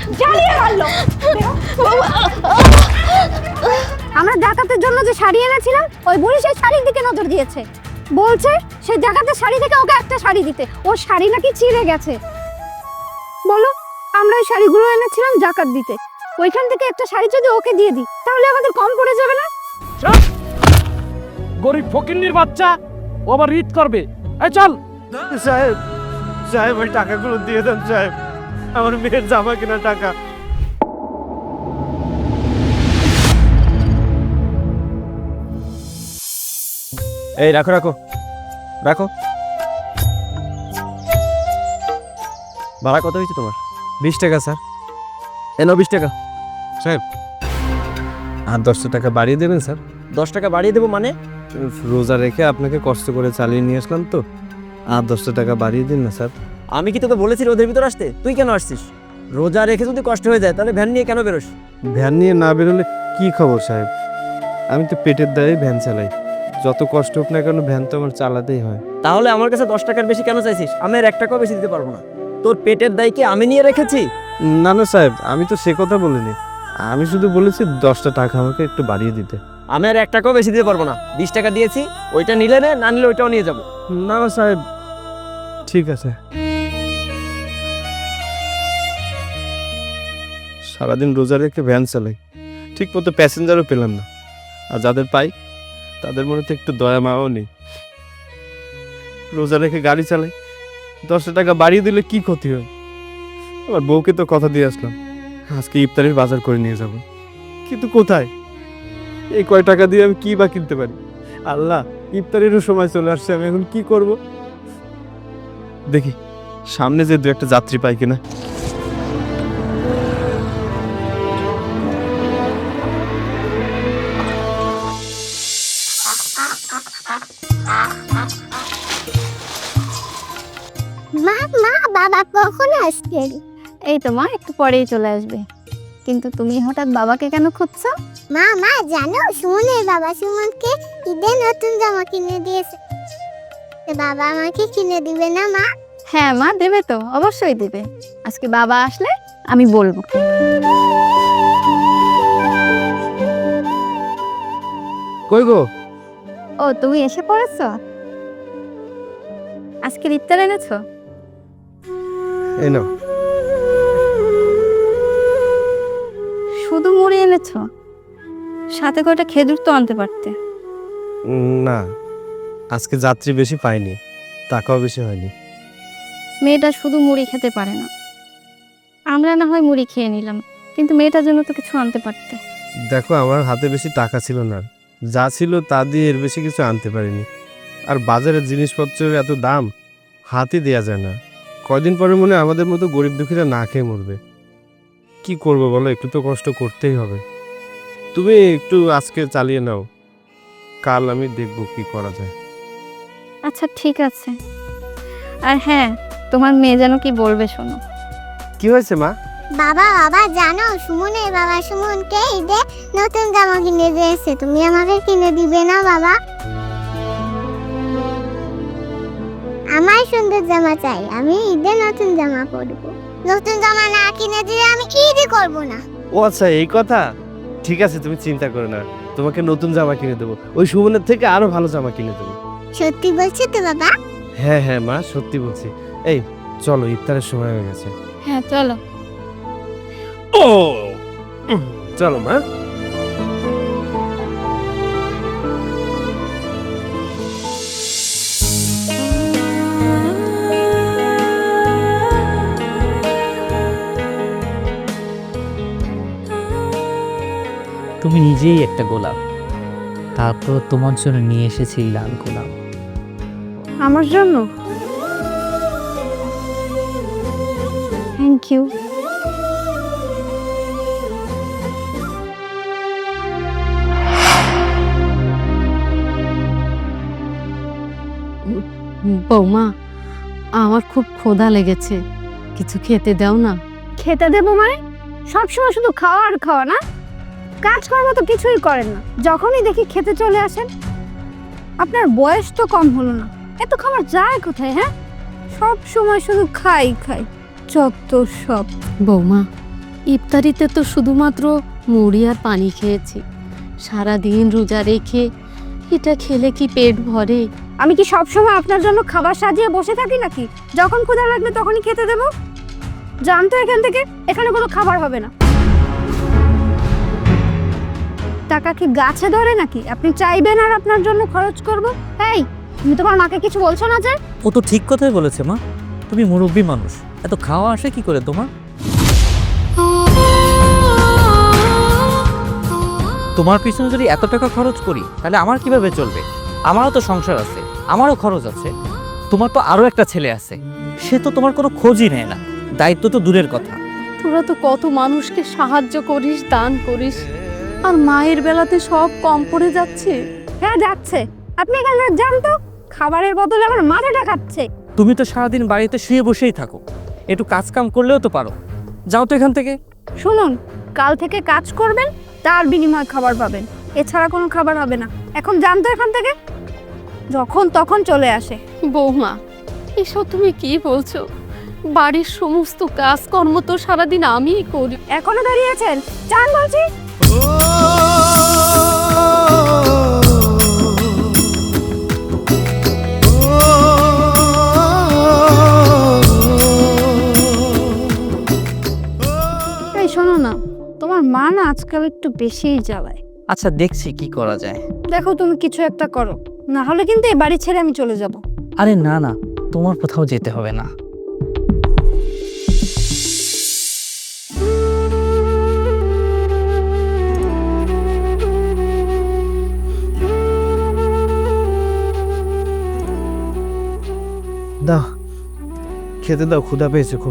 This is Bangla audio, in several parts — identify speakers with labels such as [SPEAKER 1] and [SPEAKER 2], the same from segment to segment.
[SPEAKER 1] জ্বালিয়ে মারলো। আমরা ডাকাতের জন্য যে শাড়ি এনেছিলাম ওই বুড়ি সেই শাড়ির দিকে নজর দিয়েছে, বলছে সে ডাকাতের শাড়ি থেকে ওকে একটা শাড়ি দিতে, ওর শাড়ি নাকি ছিঁড়ে গেছে। বলো, আমরা ওই শাড়িগুলো এনেছিলাম জাকাত দিতে, ওইখান থেকে একটা শাড়ি যদি ওকে দিয়ে দিই তাহলে আমাদের কম পড়ে যাবে না?
[SPEAKER 2] গরিব ফকিন্নির বাচ্চা, ও আবার রিড করবে। এই চল।
[SPEAKER 3] সাহেব সাহেব ওই টাকাগুলো দিয়ে দেন সাহেব, আমার মেয়ের জামা কেনা টাকা। এই রাখো রাখো রাখো। ভাড়া কত হয়েছে তোমার?
[SPEAKER 4] 20 টাকা স্যার।
[SPEAKER 3] এনো 20 টাকা।
[SPEAKER 4] সাহেব আর 10 টাকা বাড়িয়ে দেবেন স্যার?
[SPEAKER 3] 10 টাকা বাড়িয়ে দেবো মানে?
[SPEAKER 4] রোজা রেখে আপনাকে কষ্ট করে চালিয়ে নিয়ে আসলাম তো, আর 10 টাকা বাড়িয়ে দিন না স্যার।
[SPEAKER 3] আমি কি তোকে বলেছি রোদের ভিতর আসতে? তুই কেন আসছিস? রোজা রেখে যদি কষ্ট হয়ে যায় তাহলে ভ্যান নিয়ে কেন বেরোস?
[SPEAKER 4] ভ্যান নিয়ে না বেরোলে কি খবর সাহেব? আমি তো পেটের দায়ে ভ্যান চালাই, যত কষ্ট হোক না কেন ভ্যান তো আমার চালাতেই হয়।
[SPEAKER 3] তাহলে আমার কাছে 10 টাকার বেশি কেন চাইছিস? আমি আর 1 টাকাও বেশি দিতে পারবো না। তোর পেটের দায় কি আমি নিয়ে রেখেছি?
[SPEAKER 4] না না সাহেব, আমি তো সে কথা বলিনি, আমি শুধু বলেছি 10টা টাকা আমাকে একটু বাড়িয়ে দিতে।
[SPEAKER 3] আমি আর 1 টাকাও বেশি দিতে পারবো না। 20 টাকা দিয়েছি, ওইটা নিলে নে, না নিলে ওইটাও নিয়ে যাবো।
[SPEAKER 4] না না সাহেব, ঠিক আছে। সারাদিন রোজা রেখে ভ্যান চালাই, ঠিক মতো প্যাসেঞ্জারও পেলাম না, আর যাদের পাই তাদের মনে তো একটু দয়া মাও নেই। রোজা রেখে গাড়ি চালাই, 10 টাকা বাড়িয়ে দিলে কি ক্ষতি হয়? আমার বউকে তো কথা দিয়ে আসলাম আজকে ইফতারের বাজার করে নিয়ে যাব, কিন্তু কোথায়? এই কয় টাকা দিয়ে আমি কি বা কিনতে পারি? আল্লাহ, ইফতারেরও সময় চলে আসছে, আমি এখন কি করব? দেখি সামনে যে 2-1টা যাত্রী পাই কিনা।
[SPEAKER 1] মা মা বাবা কখন আসছেন? এই তো মা, একটু পরেই চলে আসবে। কিন্তু তুমি হঠাৎ বাবাকে কেন খুঁজছো?
[SPEAKER 5] মা মা জানো, সুমনের বাবা সুমনকে ঈদে নতুন জামা কিনে দিয়েছে। তো বাবা আমাকে কিনে দিবে না মা?
[SPEAKER 1] হ্যাঁ মা, দেবে তো, অবশ্যই দেবে। আজকে বাবা আসলে আমি বলবো।
[SPEAKER 4] কই গো?
[SPEAKER 1] ও, তুমি এসে পড়েছো? আজকে ইফতার এনেছো?
[SPEAKER 4] এই নাও।
[SPEAKER 1] শুধু মুড়ি এনেছো? সাথে কয়টা খেজুর তো আনতে পারতে।
[SPEAKER 4] না, আজকে যাত্রী বেশি পাইনি, টাকাও বেশি হয়নি।
[SPEAKER 1] মেয়েটা শুধু মুড়ি খেতে পারে না। আমরা না হয় মুড়ি খেয়ে নিলাম, কিন্তু মেয়েটার জন্য তো কিছু আনতে পারতে।
[SPEAKER 4] দেখো, আমার হাতে বেশি টাকা ছিল না, যা ছিল তা দিয়ে এর বেশি কিছু আনতে পারিনি। আর বাজারের জিনিসপত্রের এত দাম, হাতই দেওয়া যায় না। কয়দিন পরে মনে হয় আমাদের মতো গরিব দুঃখীরা না খেয়ে মরবে। কি করবো বলো, একটু তো কষ্ট করতেই হবে। তুমি একটু আজকে চালিয়ে নাও, কাল আমি দেখবো কি করা যায়।
[SPEAKER 1] আচ্ছা ঠিক আছে। আর হ্যাঁ, তোমার মেয়ে যেন কি বলবে শোনো।
[SPEAKER 4] কি হয়েছে মা?
[SPEAKER 5] বাবা বাবা জানো, সুমনের বাবা সুমনকে ঈদে নতুন জামা কিনে দিয়েছে। তুমি আমাকে কিনে দিবে না বাবা? আমার সুন্দর জামা চাই, আমি ঈদে নতুন জামা পরবো। নতুন জামা না কিনে দিলে আমি ঈদই করবো না।
[SPEAKER 4] ও আচ্ছা, এই কথা। ঠিক আছে, তুমি চিন্তা করো না, তোমাকে নতুন জামা কিনে দেবো, ওই সুমনের থেকে আরো ভালো জামা কিনে দেবো।
[SPEAKER 5] সত্যি বলছো তো বাবা?
[SPEAKER 4] হ্যাঁ হ্যাঁ মা, সত্যি বলছি। এই চলো, ইফতারের সময় হয়ে গেছে।
[SPEAKER 1] হ্যাঁ চলো।
[SPEAKER 4] ও চলো মা।
[SPEAKER 6] তুমি নিজেই একটা গোলাপ, তারপর তোমার জন্য নিয়ে এসেছি লাল গোলাপ।
[SPEAKER 1] আমার জন্য? Thank you.
[SPEAKER 7] বৌমা, আমার খুব ক্ষুধা লেগেছে, কিছু খেতে দাও না।
[SPEAKER 1] খেতে দেবো মানে? সবসময় শুধু খাওয়া আর খাওয়া না? কাজকর্ম তো কিছুই করেন না, যখনই দেখি খেতে চলে আসেন। আপনার বয়স তো কম হলো না, এত খাবার যায় কোথায়? হ্যাঁ, সব সময় শুধু খাই খাই, যত সব।
[SPEAKER 7] বৌমা, ইফতারিতে তো শুধুমাত্র মুড়ি আর পানি খেয়েছি, সারাদিন রোজা রেখে এটা খেলে কি পেট ভরে?
[SPEAKER 1] আমি কি সবসময় আপনার জন্য খাবার সাজিয়ে বসে থাকি নাকি? যখন ক্ষুধা লাগবে তখনই খেতে দেবো। জানতো এখান থেকে, এখানে কোনো খাবার হবে না। টাকা কি গাছে ধরে নাকি আপনি চাইবেন আর আপনার জন্য খরচ করব? এই, তুমি তোমার মাকে কিছু বলছো না যে?
[SPEAKER 6] ও তো ঠিক কথাই বলেছে মা, তুমি মুরব্বী মানুষ, এত খাওয়া আসে কি করে তোমার? তোমার পিছনে যদি এত টাকা খরচ করি তাহলে আমার কিভাবে চলবে? আমারও তো সংসার আছে, আমারও খরচ আছে। তোমার তো আরও একটা ছেলে আছে, সে তো তোমার কোনো খোঁজই নেয় না, দায়িত্ব তো দূরের কথা।
[SPEAKER 7] তোরা তো কত মানুষকে সাহায্য করিস, দান করিস, আর মায়ের বেলাতে সব কম পড়ে যাচ্ছে।
[SPEAKER 1] হ্যাঁ যাচ্ছে। আপনি এখানে যান তো, খাবারের বদলে আমার মাথাটা খাচ্ছে।
[SPEAKER 6] তুমি তো সারাদিন বাড়িতে শুয়ে বসেই থাকো, একটু কাজ কাম করলেও তো পারো। যাও তো এখান থেকে।
[SPEAKER 1] শুনুন, কাল থেকে কাজ করবেন, তার বিনিময়ে খাবার পাবেন, এছাড়া কোনো খাবার হবে না। এখন যান তো এখান থেকে। যখন তখন চলে আসে।
[SPEAKER 7] বৌমা, এসব তুমি কি বলছো? বাড়ির সমস্ত কাজকর্ম তো সারাদিন আমিই করি।
[SPEAKER 1] এখনো দাঁড়িয়ে আছেন? যান বলছি। এই শোনো না, তোমার মা না আজকাল একটু বেশিই জ্বালায়।
[SPEAKER 6] আচ্ছা দেখছি কি করা যায়।
[SPEAKER 1] দেখো তুমি কিছু একটা করো, না হলে কিন্তু এই বাড়ি ছেড়ে আমি চলে যাব।
[SPEAKER 6] আরে না না, তোমার কোথাও যেতে হবে না।
[SPEAKER 4] দাও, খেতে দাও, ক্ষুধা পেয়েছে খুব।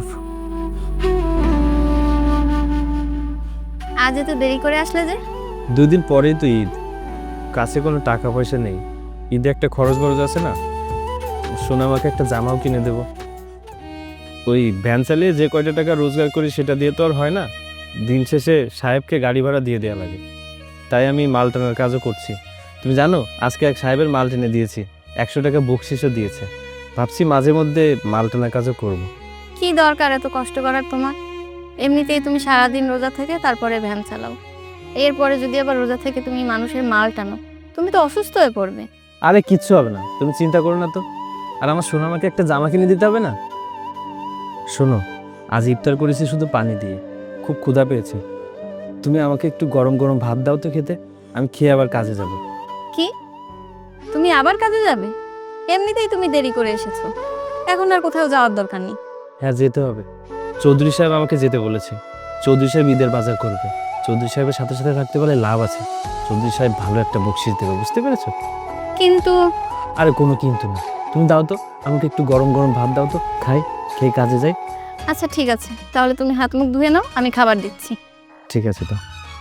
[SPEAKER 1] আজ এত দেরি করে আসলে যে?
[SPEAKER 4] 2 দিন পরেই তো ঈদ, কাছে কোনো টাকা পয়সা নেই। ঈদে একটা খরচ বরচ আছে না, সোনামাকে একটা জামাও কিনে দেব। ওই ভ্যান চালিয়ে যে কয়টা টাকা রোজগার করি সেটা দিয়ে তো আর হয় না, দিন শেষে সাহেবকে গাড়ি ভাড়া দিয়ে দেওয়া লাগে। তাই আমি মাল টানার কাজও করছি। তুমি জানো, আজকে এক সাহেবের মাল টেনে দিয়েছি, 100 টাকা বকশিসও দিয়েছে। ভাবছি মাঝে মধ্যে মাল টানার কাজও করব।
[SPEAKER 1] কি দরকার এত কষ্ট করার তোমার? এমনিতেই তুমি সারাদিন রোজা থেকে তারপরে ভ্যান চালাও, এরপরে যদি আবার রোজা থেকে তুমি মানুষের মাল টানো, তুমি তো অসুস্থ হয়ে পড়বে।
[SPEAKER 4] আরে কিচ্ছু হবে না, তুমি চিন্তা করো না তো। আর আমার সোনামাকে একটা জামা কিনে দিতে হবে না? শোনো, আজ ইফতার করেছি শুধু পানি দিয়ে, খুব ক্ষুধা পেয়েছে। তুমি আমাকে একটু গরম গরম ভাত দাও তো খেতে, আমি খেয়ে আবার কাজে যাব।
[SPEAKER 1] কি, তুমি আবার কাজে যাবে? এমনিতেই তুমি দেরি করে এসেছো, এখন আর কোথাও যাওয়ার দরকার নেই।
[SPEAKER 4] হ্যাঁ যেতে হবে, চৌধুরী সাহেব আমাকে যেতে বলেছে। চৌধুরী সাহেব ঈদের বাজার করবে, চৌধুরী সাহেবের সাথে সাথে থাকতে পারলে লাভ আছে। চৌধুরী সাহেব ভালো একটা বকশিস দেবে, বুঝতে পেরেছো?
[SPEAKER 1] কিন্তু
[SPEAKER 4] আরে কোনো কিন্তু না, তুমি দাও তো আমাকে একটু গরম গরম ভাত দাও তো, খাই, খেয়ে কাজে যাই।
[SPEAKER 1] আচ্ছা ঠিক আছে, তাহলে তুমি হাত মুখ ধুয়ে নাও, আমি খাবার দিচ্ছি।
[SPEAKER 4] ঠিক আছে তো।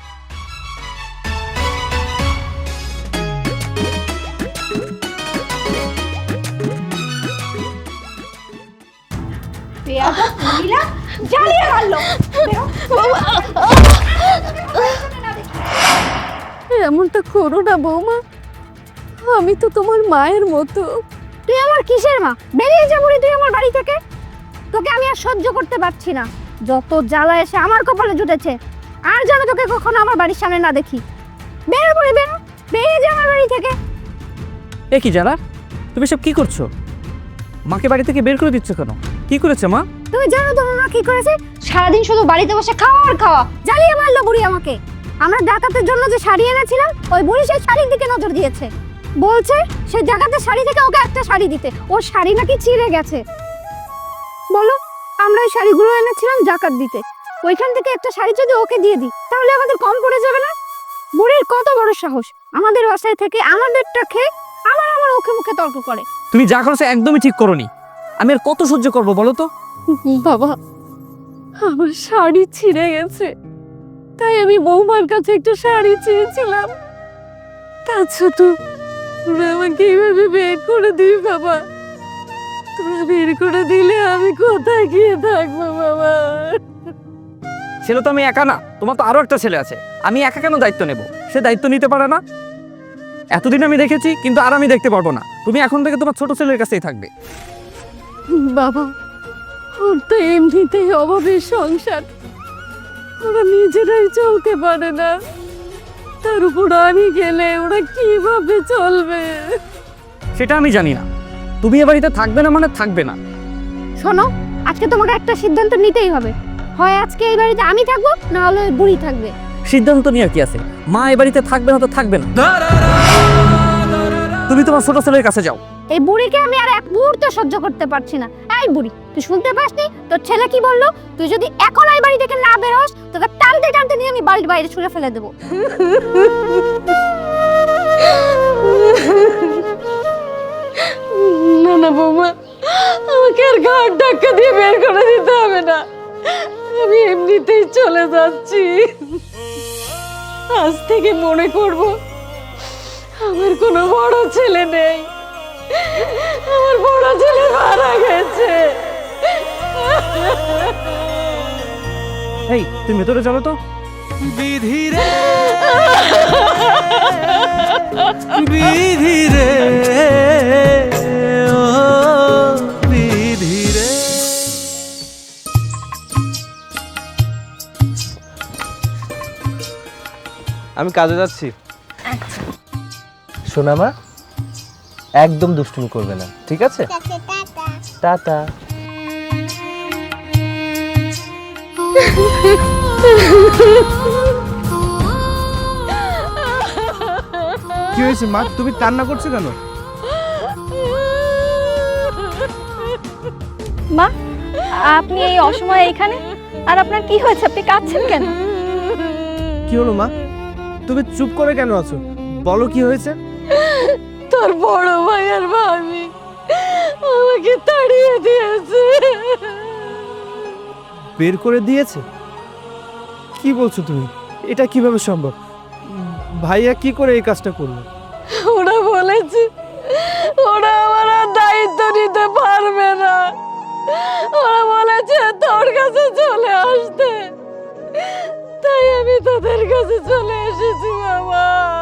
[SPEAKER 7] এমনটা করো না বৌমা, আমি তো তোমার মায়ের মতো।
[SPEAKER 1] তুই আমার কিসের মা? বেরিয়ে যা বুড়ি তুই আমার বাড়ি থেকে। তোকে আমি আর সহ্য করতে পারছি না, যত জ্বালা এসে আমার কপালে জুটেছে। আর যেন তোকে কখনো আমার বাড়ির সামনে না দেখি। বেরো বুড়ি বেরো, বেরিয়ে যা আমার বাড়ি থেকে।
[SPEAKER 6] এ কি জানা, তুমি সব কি করছো? মাকে বাড়ি থেকে বের করে দিচ্ছ কেন? কি করেছে মা?
[SPEAKER 1] তুমি জানো তোমার মা কি করেছে? সারাদিন শুধু বাড়িতে বসে খাওয়া আর খাওয়া, জ্বালিয়ে মারলো বুড়ি আমাকে। আমরা ডাকাতের জন্য যে শাড়ি এনেছিলাম, ওই বুড়ি সেই শাড়ির দিকে নজর দিয়েছে। বলছে সেই ডাকাতের শাড়ি থেকে ওকে একটা শাড়ি দিতে, ওর শাড়ি নাকি ছিঁড়ে গেছে। বলো, আমরা ওই শাড়িগুলো এনেছিলাম জাকাত দিতে, ওইখান থেকে একটা শাড়ি যদি ওকে দিয়ে দিই তাহলে আমাদের কম পড়ে যাবে না? বুড়ির কত বড় সাহস, আমাদের বাসায় থেকে আমাদেরটা খেয়ে আবার আমার ওকে মুখে তর্ক করে।
[SPEAKER 6] তুমি যা করেছো একদমই ঠিক করোনি। আমি আর কত সহ্য করবো বলো তো?
[SPEAKER 7] বাবা, আমার শাড়ি ছিঁড়ে গেছে, তাই আমি বৌমার কাছে একটা শাড়ি চেয়েছিলাম। তাছাড়া তো তোরা আমাকে এইভাবে বের করে দিবি বাবা। তোরা বের করে দিলে আমি কোথায় গিয়ে থাকবো বাবা?
[SPEAKER 6] ছেলে তো আমি একা না, তোমার তো আরো একটা ছেলে আছে। আমি একা কেন দায়িত্ব নেব? সে দায়িত্ব নিতে পারে না। এতদিন আমি দেখেছি, কিন্তু আর আমি দেখতে পারবো না। তুমি এখন থেকে তোমার ছোট ছেলের কাছেই থাকবে।
[SPEAKER 7] বাবা, ওর তো এমনিতেই অভাবের সংসার, ও ওরা নিজেরাই চলতে পারে না, তার উপর আমি গেলে ওরা কিভাবে চলবে?
[SPEAKER 6] সেটা আমি জানি না। তুমি এ বাড়িতে থাকবে না মানে থাকবে না।
[SPEAKER 1] শোনো, আজকে তোমাকে একটা সিদ্ধান্ত নিতেই হবে। হয় আজকে এই বাড়িতে আমি থাকবো, না হলে ওই বুড়ি থাকবে।
[SPEAKER 6] সিদ্ধান্ত নিয়ে কি আছে? মা এ বাড়িতে থাকবে না তো থাকবে না। তুমি তোমার ছোট ছেলের কাছে যাও।
[SPEAKER 1] এই বুড়িকে আমি আর এক মুহূর্ত সহ্য করতে পারছি না। এই বুড়ি, তুই শুনতে পাসনি তোর ছেলে কি বললো? তুই যদি এখন এই বাড়ি থেকে না বেরোস, তোকে টানতে টানতে নিয়ে আমি বাড়ির বাইরে ছুঁড়ে ফেলে দেবো।
[SPEAKER 7] না না বৌমা, আমাকে আর ঘাট ধাক্কা দিয়ে বের করে দিতে হবে না, আমি এমনিতেই চলে যাচ্ছি। আজ থেকে মনে করব আমার কোনো বড় ছেলে নেই, আমার বড় ছেলে মারা গেছে।
[SPEAKER 3] এই তুমি ভেতরে চলো তো।
[SPEAKER 8] বিধিরে বিধিরে ও বিধিরে।
[SPEAKER 3] আমি কাজে যাচ্ছি। শোনা মা, একদম দুষ্টুমি করবে না, ঠিক আছে? টাটা।
[SPEAKER 4] কি হয়েছে মা, তুমি কান্না করছো কেন?
[SPEAKER 9] মা, আপনি এই অসময়ে এখানে, আর আপনার কি হয়েছে? আপনি কাঁদছেন কেন?
[SPEAKER 4] কি হলো মা, তুমি চুপ করে কেন আছো? বলো কি হয়েছে?
[SPEAKER 7] তোর বড় ভাই আর ভাবি আমাকে তাড়িয়ে দিয়েছে।
[SPEAKER 4] বের করে দিয়েছে? কি বলছো তুমি? এটা কিভাবে সম্ভব? ভাইয়া কি করে এই কাজটা করলো?
[SPEAKER 7] ওরা বলেছে ওরা আমার আর দায়িত্ব নিতে পারবে না, ওরা বলেছে তোর কাছে চলে আসতে, তাই আমি তোদের কাছে চলে এসেছি বাবা।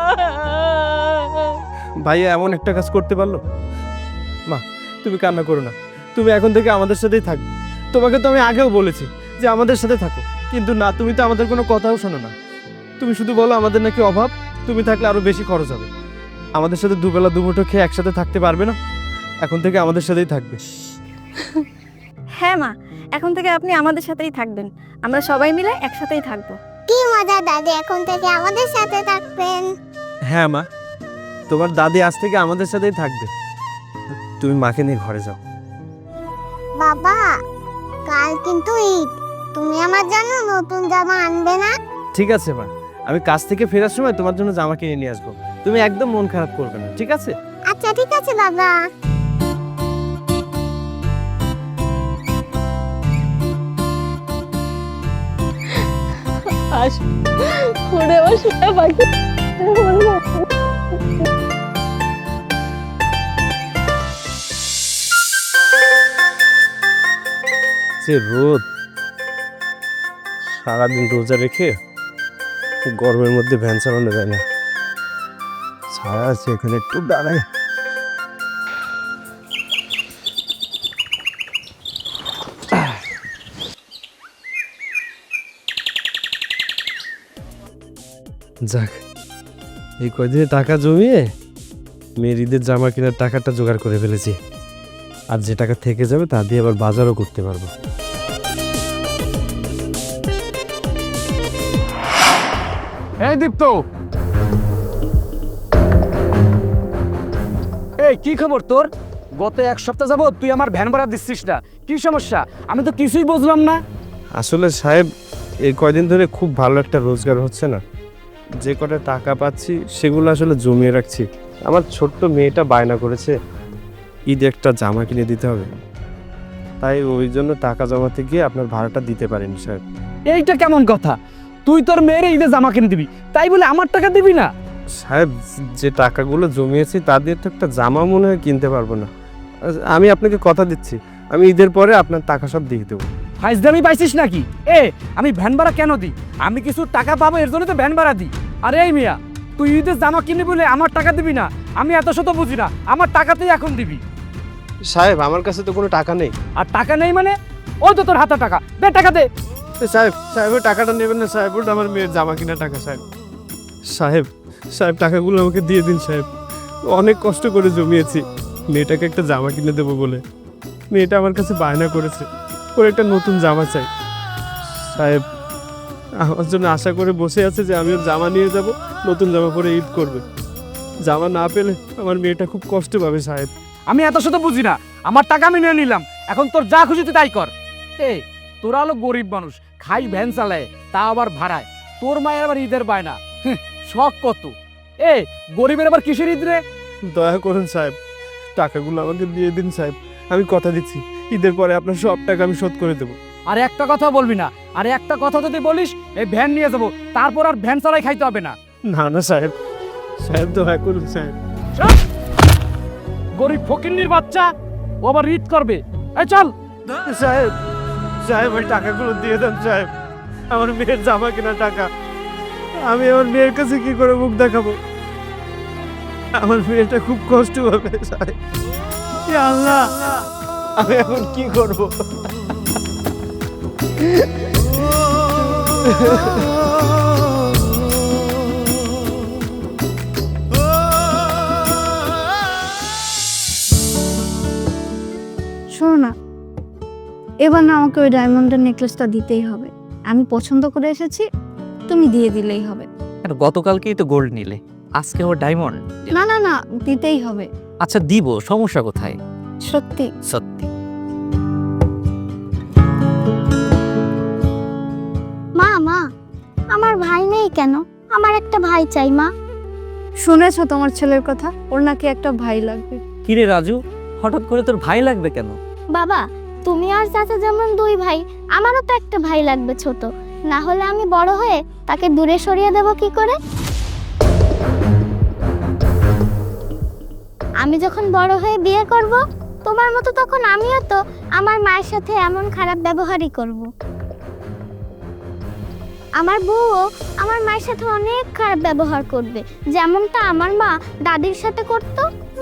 [SPEAKER 4] ভাইয়া এমন একটা কাজ করতে পারলো? মা, তুমি কান্না করো না, তুমি এখন থেকে আমাদের সাথেই থাকবে। তোমাকে তো আমি আগেও বলেছি যে আমাদের সাথে থাকো, কিন্তু না, তুমি তো আমাদের কোনো কথাও শোনো না। তুমি শুধু বলো আমাদের নাকি অভাব, তুমি থাকলে আরো বেশি খরচ হবে। আমাদের সাথে দুবেলা দুমুঠো খেয়ে একসাথে থাকতে পারবে না? এখন থেকে আমাদের সাথেই থাকবে।
[SPEAKER 9] হ্যাঁ মা, এখন থেকে আপনি আমাদের সাথেই থাকবেন, আমরা সবাই মিলে একসাথেই থাকবো।
[SPEAKER 5] কি মজা দাদি, এখন থেকে আমাদের সাথে থাকবেন।
[SPEAKER 4] হ্যাঁ মা, তোমার দাদি আজ থেকে আমাদের সাথেই থাকবে। তুমি মাকে নিয়ে ঘরে যাও।
[SPEAKER 5] বাবা, কাল কিন্তু ঈদ, তুমি আমার জন্য নতুন জামা আনবে না?
[SPEAKER 4] ঠিক আছে মা, আমি কাজ থেকে ফেরার সময় তোমার জন্য জামা কিনে নিয়ে আসবো। তুমি একদম মন খারাপ করবে না, ঠিক আছে?
[SPEAKER 5] আচ্ছা ঠিক আছে বাবা।
[SPEAKER 7] আস ওরে আমার সোনা পাখি।
[SPEAKER 4] যে রোদ, সারাদিন রোজা রেখে গরমের মধ্যে ভ্যান চালানো যায় না। ছায়া আছে এখানে, একটু দাঁড়ায়। যাক, এই কয়দিনে টাকা জমিয়ে মেয়ের ঈদের জামা কেনার টাকাটা জোগাড় করে ফেলেছি। আর যে টাকা থেকে যাবে তা দিয়ে আবার বাজারও করতে পারবো।
[SPEAKER 2] এই দীপ্ত, এই কি খবর তোর? গত এক সপ্তাহ যাবত তুই আমার ভ্যান ভাড়া দিচ্ছিস না, কি সমস্যা? আমি তো কিছুই বুঝলাম না।
[SPEAKER 4] আসলে সাহেব, এই কয়দিন ধরে খুব ভালো একটা রোজগার হচ্ছে না। যে কটা টাকা পাচ্ছি সেগুলো আসলে জমিয়ে রাখছি। আমার ছোট্ট মেয়েটা বায়না করেছে ঈদে একটা জামা কিনে দিতে হবে, তাই ওই জন্য টাকা জমাতে গিয়ে আপনার ভাড়াটা দিতে পারিনি সাহেব।
[SPEAKER 2] এইটা কেমন কথা? তুই তোর মেয়ের ঈদে জামা কিনে দিবি, তাই বলে আমার টাকা দিবি না?
[SPEAKER 4] সাহেব, যে টাকাগুলো জমিয়েছি তা দিয়ে তো একটা জামা মনে হয় কিনতে পারবো না। আমি আপনাকে কথা দিচ্ছি, আমি ঈদের পরে আপনার টাকা সব দিয়ে দেবো।
[SPEAKER 2] ফাইজদামি পাইছিস নাকি? আমি ভ্যান ভাড়া কেন দিই? আমি কিছু টাকা পাবো, এর জন্য তো ভ্যান ভাড়া দিই। আরে এই মিয়া, তুই ঈদের জামা কিনে বলে আমার টাকা দিবি না? আমি এত শত বুঝি না, আমার টাকা তুই এখন দিবি।
[SPEAKER 4] সাহেব, আমার কাছে তো কোনো টাকা নেই।
[SPEAKER 2] আর টাকা নেই মানে? ওই তো তোর হাতে টাকা, দে টাকা দে।
[SPEAKER 3] সাহেব সাহেব ওই টাকাটা নেবেন না সাহেব, ওটা আমার মেয়ের জামা কিনা টাকা সাহেব। সাহেব সাহেব টাকাগুলো আমাকে দিয়ে দিন সাহেব, অনেক কষ্ট করে জমিয়েছি মেয়েটাকে একটা জামা কিনে দেবো বলে। মেয়েটা আমার কাছে বায়না করেছে ওর একটা নতুন জামা চাই। সাহেব আমার জন্য আশা করে বসে আছে যে আমি ওর জামা নিয়ে যাব, নতুন জামা পরে ঈদ করবে। জামা না পেলে আমার মেয়েটা খুব কষ্ট পাবে সাহেব।
[SPEAKER 2] আমি এত শত বুঝি না, আমার টাকা আমি নিয়ে নিলাম, এখন তোর যা খুশি তুই তাই কর। এই তোরা হলো গরিব মানুষ, খাই ভ্যান চালায়, তা আবার ভাড়ায়, তোর মায়ের আবার ঈদের বায়না, শখ কত। এ গরিবের আবার কিসের ঈদ রে?
[SPEAKER 3] দয়া করুন সাহেব, টাকাগুলো আমাকে দিয়ে দিন সাহেব, আমি কথা দিচ্ছি ঈদের পরে আপনার সব টাকা আমি শোধ করে দেবো।
[SPEAKER 2] আর একটা কথা বলবি না, আর একটা কথা যদি বলিস এই ভ্যান নিয়ে যাবো, তারপর আর ভ্যান চালাই খাইতে হবে না।
[SPEAKER 3] না না সাহেব, সাহেব দয়া করুন সাহেব।
[SPEAKER 2] গরিব ফকিন্নির বাচ্চা, ও আবার ঈদ করবে। এই চল।
[SPEAKER 3] সাহেব সাহেব ওই টাকাগুলো দিয়ে দেন সাহেব, আমার মেয়ের জামা কেনা টাকা। আমি আমার মেয়ের কাছে কি করে মুখ দেখাবো? আমার মেয়েটা খুব কষ্ট হবে সাহেব। ইয়া আল্লাহ, আমি এখন কি করব?
[SPEAKER 1] শোনো না, এবার না আমাকে ওই ডায়মন্ডের নেকলেসটা দিতেই হবে। আমি পছন্দ করে এসেছি, তুমি দিয়ে দিলেই হবে।
[SPEAKER 6] কেন, গতকালকেই তো গোল্ড নিলে, আজকে ওর ডায়মন্ড।
[SPEAKER 1] না না না, দিতেই হবে।
[SPEAKER 6] আচ্ছা দিব, সমস্যা কোথায়?
[SPEAKER 1] সত্যি।
[SPEAKER 6] সত্যি।
[SPEAKER 5] মা মা, আমার ভাই নেই কেন? আমার একটা ভাই চাই মা।
[SPEAKER 1] শুনেছো তোমার ছেলের কথা? ওর নাকি একটা ভাই লাগবে।
[SPEAKER 6] কিরে রাজু, হঠাৎ করে তোর ভাই লাগবে কেন?
[SPEAKER 5] বাবা, তুমি আর চাচা যেমন দুই ভাই, আমারও তো একটা ভাই লাগবে ছোট, না হলে আমি বড় হয়ে তাকে দূরে সরিয়ে দেব কি করে? আমি যখন বড় হয়ে বিয়ে করব তোমার মতো, তখন আমিও তো আমার মায়ের সাথে এমন খারাপ ব্যবহারই করব। আমার বউও আমার মায়ের সাথে অনেক খারাপ ব্যবহার করবে, যেমনটা আমার মা দাদির সাথে করত।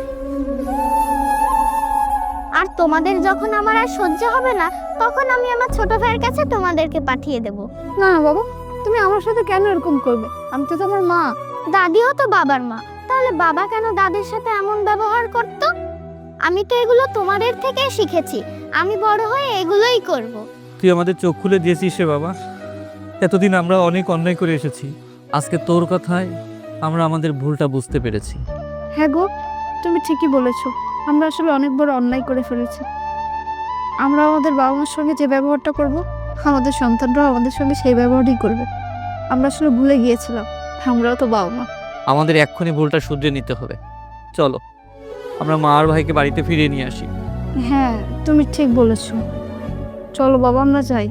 [SPEAKER 5] আর তোমাদের যখন আমার আর সহ্য হবে না, তখন আমি আমার ছোট ভাইয়ের কাছে তোমাদেরকে পাঠিয়ে দেব।
[SPEAKER 1] না না বাবা, তুমি আমার সাথে কেন এরকম করবে? আমি তো তোমার মা।
[SPEAKER 5] দাদিও তো বাবার মা, তাহলে বাবা কেন দাদির সাথে এমন ব্যবহার করত? আমি তো এগুলো তোমাদের থেকে শিখেছি, আমি বড় হয়ে এগুলোই করব।
[SPEAKER 6] তুই আমাদের চোখ খুলে দিয়েছিস রে বাবা। এতদিন আমরা অনেক অন্যায় করে এসেছি, আজকে তোর কথায় আমরা আমাদের ভুলটা বুঝতে পেরেছি।
[SPEAKER 1] হ্যাঁ গো, তুমি ঠিকই বলেছো, আমরা আসলে অনেক বড় অন্যায় করে ফেলেছি। আমরা আমাদের বাবা মার সঙ্গে যে ব্যবহারটা করব, আমাদের সন্তানরাও আমাদের সঙ্গে সেই ব্যবহারই করবে। আমরা আসলে ভুলে গিয়েছিলাম, আমরাও তো বাবা মা।
[SPEAKER 6] আমাদের এক্ষুনি ভুলটা শুধরে নিতে হবে। চলো আমরা মা আর ভাইকে বাড়িতে ফিরিয়ে নিয়ে আসি।
[SPEAKER 1] হ্যাঁ, তুমি ঠিক বলেছো। চলো বাবা, আমরা যাই।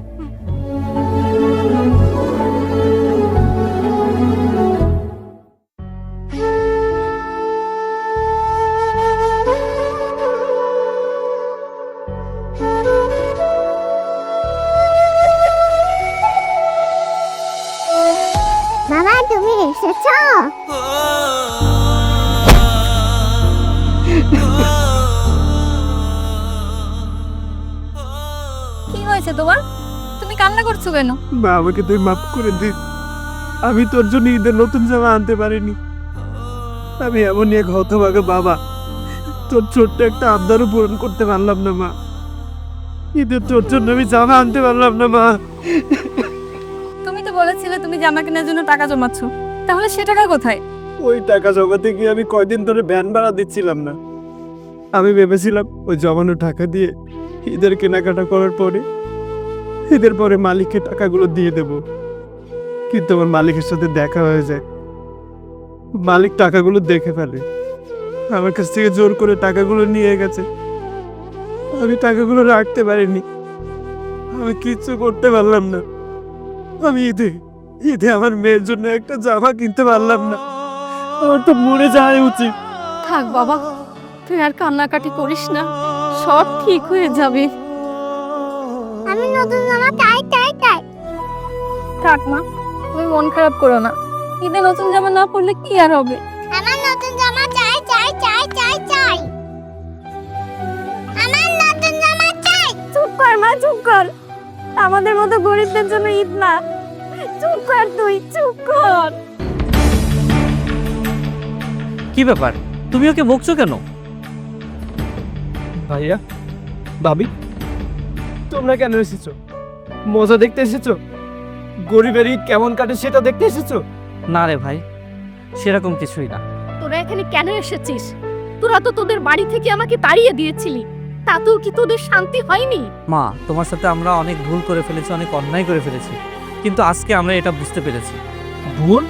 [SPEAKER 5] মামা, তুমি এসেছো?
[SPEAKER 9] কি হয়েছে তোমার? তুমি কান্না করছো কেন?
[SPEAKER 3] মা, আমাকে তুই মাফ করে দে, আমি তোর জন্য ঈদের নতুন জামা আনতে পারিনি। আমি এমনই এক হতভাগা বাবা, তোর ছোট্ট একটা আবদারও পূরণ করতে পারলাম না মা। ঈদের তোর জন্য আমি জামা আনতে পারলাম না মা।
[SPEAKER 9] তুমি তো বলেছিলে তুমি জামা কেনার জন্য টাকা জমাচ্ছ, তাহলে সে টাকা কোথায়?
[SPEAKER 3] ওই টাকা জমাতে গিয়ে আমি কয়দিন ধরে ভ্যান ভাড়া দিচ্ছিলাম না। আমি ভেবেছিলাম ওই জমানো টাকা দিয়ে ঈদের কেনাকাটা করার পরে ঈদের পরে মালিককে টাকাগুলো দিয়ে দেব, কিন্তু আমার মালিকের সাথে দেখা হয়ে যায়। মালিক টাকাগুলো দেখে ফেলে, আমার কাছ থেকে জোর করে টাকাগুলো নিয়ে গেছে। আমি টাকাগুলো রাখতে পারিনি, আমি কিচ্ছু করতে পারলাম না। আমি ঈদে ঈদে আমার মেয়ের জন্য একটা জামা কিনতে পারলাম না। আমার তো মরে যাওয়া উচিত।
[SPEAKER 7] থাক বাবা, তুই আর কান্নাকাটি করিস না, সব ঠিক হয়ে যাবে।
[SPEAKER 5] আমি নতুন জামা চাই চাই চাই।
[SPEAKER 9] থাক মা, তুমি মন খারাপ করো না, ঈদে নতুন জামা না পরলে কি আর হবে?
[SPEAKER 5] আমার নতুন জামা চাই চাই চাই চাই চাই। আমার নতুন জামা চাই।
[SPEAKER 9] চুপ কর মা, চুপ কর। আমাদের মতো গরিবদের জন্য ঈদ না। চুপ কর তুই, চুপ কর।
[SPEAKER 6] কি ব্যাপার, তুমি ওকে বকছো কেন?
[SPEAKER 3] ভাইয়া, ভাবি, তোমরা কেন এসেছো? মজা দেখতে এসেছো? গরিবের ঈদ কেমন কাটে সেটা দেখতে এসেছো?
[SPEAKER 6] না রে ভাই, সেরকম কিছুই না।
[SPEAKER 7] তোরা এখানে কেন এসেছিস? তোরা তো তোদের বাড়ি থেকে আমাকে তাড়িয়ে দিয়েছিলি, তাতেও কি তোদের শান্তি হয়নি?
[SPEAKER 6] মা, তোমার সাথে আমরা অনেক ভুল করে ফেলেছি, অনেক অন্যায় করে ফেলেছি, কিন্তু আজকে আমরা এটা বুঝতে পেরেছি।
[SPEAKER 3] ভুল?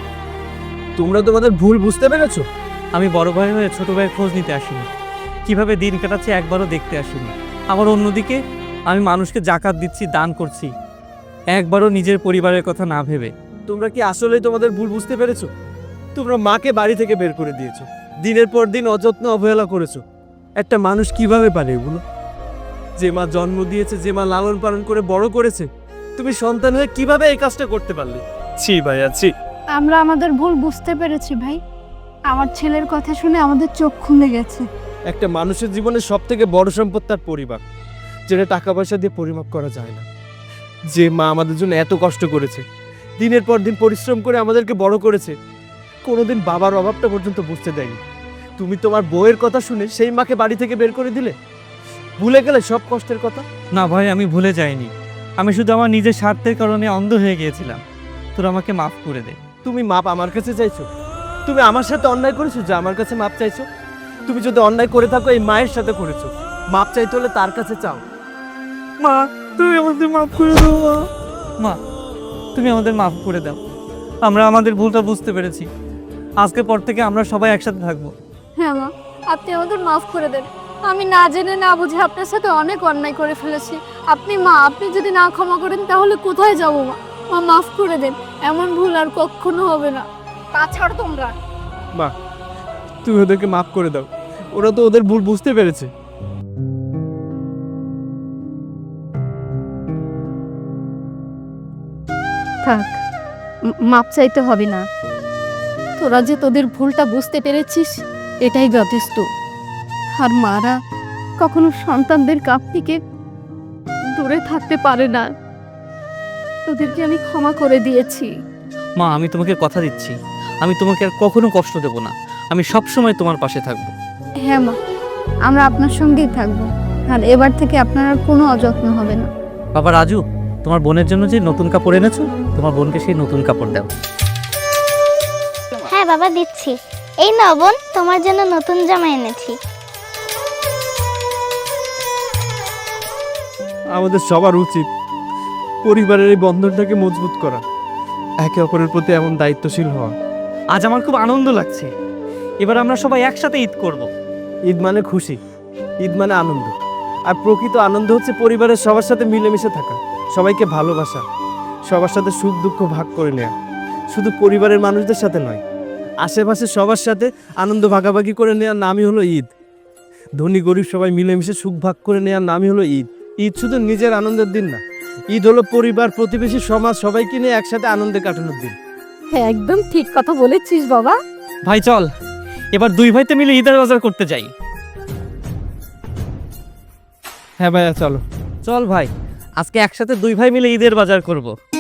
[SPEAKER 3] তোমরা তোমাদের ভুল বুঝতে পেরেছো?
[SPEAKER 6] আমি বড় ভাই হয়ে ছোট ভাইয়ের খোঁজ নিতে আসিনি, কিভাবে দিন কাটাচ্ছে একবারও দেখতে আসিনি। আবার অন্যদিকে আমি মানুষকে জাকাত দিচ্ছি, দান করছি, একবারও নিজের পরিবারের কথা না ভেবে।
[SPEAKER 3] তোমরা কি আসলেই তোমাদের ভুল বুঝতে পেরেছো? তোমরা মাকে বাড়ি থেকে বের করে দিয়েছো, দিনের পর দিন অযত্ন অবহেলা করেছো। একটা মানুষ কিভাবে পারে এগুলো? যে মা জন্ম দিয়েছে, যে মা লালন পালন করে বড় করেছে, তুমি সন্তান হয়ে কিভাবে এই কাজটা করতে পারলে? ছি ভাইয়া, ছি।
[SPEAKER 1] আমরা আমাদের ভুল বুঝতে পেরেছি ভাই। আমার ছেলের কথা শুনে আমাদের চোখ খুলে গেছে।
[SPEAKER 3] একটা মানুষের জীবনে সব থেকে বড় সম্পদ তার পরিবার, যেটা টাকা পয়সা দিয়ে পরিমাপ করা যায় না। যে মা আমাদের জন্য এত কষ্ট করেছে, দিনের পর দিন পরিশ্রম করে আমাদেরকে বড় করেছে, কোনোদিন বাবার অভাবটা পর্যন্ত বুঝতে দেয়নি। তুমি তোমার বউয়ের কথা শুনে সেই মাকে বাড়ি থেকে বের করে দিলে, ভুলে গেলে সব কষ্টের কথা।
[SPEAKER 6] না ভাই, আমি ভুলে যাইনি, আমি শুধু আমার নিজের স্বার্থের কারণে অন্ধ হয়ে গিয়েছিলাম। তোরা আমাকে মাফ করে দে।
[SPEAKER 3] তুমি মাপ আমার কাছে চাইছো? তুমি আমার সাথে অন্যায় করেছো যে আমার কাছে মাপ চাইছো? তুমি যদি অন্যায় করে থাকো এই মায়ের সাথে করেছো, মাপ চাইতে হলে তার কাছে চাও। মা, তুমি আমাদের মাফ করে দাও।
[SPEAKER 6] মা, তুমি আমাদের মাফ করে দাও, আমরা আমাদের ভুলটা বুঝতে পেরেছি। আজকের পর থেকে আমরা সবাই একসাথে থাকবো।
[SPEAKER 1] হ্যাঁ মা, আপনি আমাদের মাফ করে দেন। আমি না জেনে না বুঝে আপনার সাথে অনেক অন্যায় করে ফেলেছি। আপনি যদি না ক্ষমা করেন তাহলে কোথায় যাবো মা? মা, মাফ করে দেন, এমন ভুল আর কখনো হবে না। তাছাড়া তোমরা
[SPEAKER 3] মা, তুমি ওদেরকে মাফ করে দাও, ওরা তো ওদের ভুল বুঝতে পেরেছে।
[SPEAKER 7] থাক, মাপ চাইতে হবে না। তোরা যে তোদের ভুলটা বুঝতে পেরেছিস, এটাই যথেষ্ট। আর মারা কখনো সন্তানদের কাছ থেকে দূরে থাকতে পারে না। তোদেরকে আমি ক্ষমা করে দিয়েছি।
[SPEAKER 6] মা, আমি তোমাকে কথা দিচ্ছি, আমি তোমাকে আর কখনো কষ্ট দেব না, আমি সব সময় তোমার পাশে থাকবো।
[SPEAKER 1] হ্যাঁ মা, আমরা আপনার সঙ্গেই থাকবো। আর এবার থেকে আপনার আর কোনো অযত্ন হবে না।
[SPEAKER 6] বাবা রাজু, তোমার বোনের জন্য যে নতুন কাপড় এনেছো, তোমার বোনকে সেই নতুন কাপড় দাও।
[SPEAKER 5] হ্যাঁ বাবা, দিচ্ছি। এই নাও বোন, তোমার জন্য নতুন জামা এনেছি।
[SPEAKER 3] আমাদের সবার উচিত পরিবারের এই বন্ধনটাকে মজবুত করা, একে অপরের প্রতি এমন দায়িত্বশীল হওয়া।
[SPEAKER 6] আজ আমার খুব আনন্দ লাগছে, এবার আমরা সবাই একসাথে ঈদ করব।
[SPEAKER 3] ঈদ মানে খুশি, ঈদ মানে আনন্দ। আর প্রকৃত আনন্দ হচ্ছে পরিবারের সবার সাথে মিলেমিশে থাকা, সবাইকে ভালোবাসা, সবার সাথে সুখ দুঃখ ভাগ করে নেওয়া। শুধু পরিবারের মানুষদের সাথে নয়, আশেপাশে সবার সাথে আনন্দ ভাগাভাগি করে নেওয়ার নামই হলো ঈদ। ধনী গরিব সবাই মিলেমিশে সুখ ভাগ করে নেওয়ার নামই হলো ঈদ। ঈদ শুধু নিজের আনন্দের দিন না, ঈদ হলো পরিবার, প্রতিবেশী, সমাজ সবাইকে নিয়ে একসাথে আনন্দে কাটানোর দিন।
[SPEAKER 7] হ্যাঁ, একদম ঠিক কথা বলেছিস বাবা।
[SPEAKER 6] ভাই চল, এবার দুই ভাইতে মিলে ঈদের বাজার করতে যাই।
[SPEAKER 3] হ্যাঁ ভাইয়া, চলো।
[SPEAKER 6] চল ভাই, আজকে একসাথে দুই ভাই মিলে ঈদের বাজার করব।